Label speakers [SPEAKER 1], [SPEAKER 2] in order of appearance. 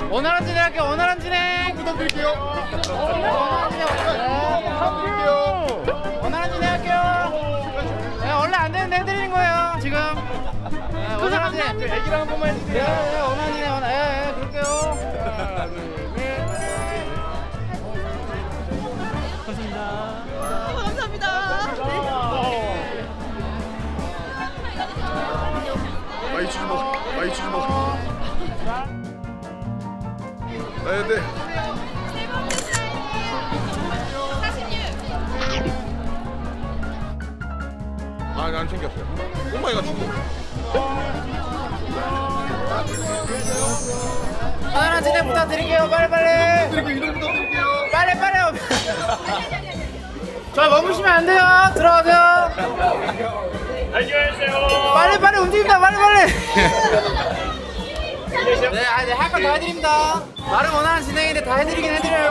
[SPEAKER 1] 원활한 진행할게요. 원활한 진행
[SPEAKER 2] 부탁드릴게요.
[SPEAKER 1] 원활한 진행
[SPEAKER 2] 부탁드릴게요.
[SPEAKER 1] 원활한 진행할게요. 네, 원래 안 되는데 해드리는 거예요 지금. 네, 원활한 진행.
[SPEAKER 2] 애기랑 한 번만 해주세요.
[SPEAKER 1] 네, 원활한 진행 그럴게요.
[SPEAKER 2] 많이 주지 마. 많이 주지 마. 아 근데 아니 안 챙겼어요. 엄마가 주고.
[SPEAKER 1] 원활한 진행 부탁드릴게요. 빨리빨리.
[SPEAKER 2] 그리고 이동 부탁드릴게요.
[SPEAKER 1] 빨리. 저 머무시면 안 돼요. 들어가세요.
[SPEAKER 3] 안녕하세요.
[SPEAKER 1] 빨리 움직입니다. 빨리. 네, 할 거 다 해드립니다. 말은 원하는 진행인데 다 해드리긴 해드려요.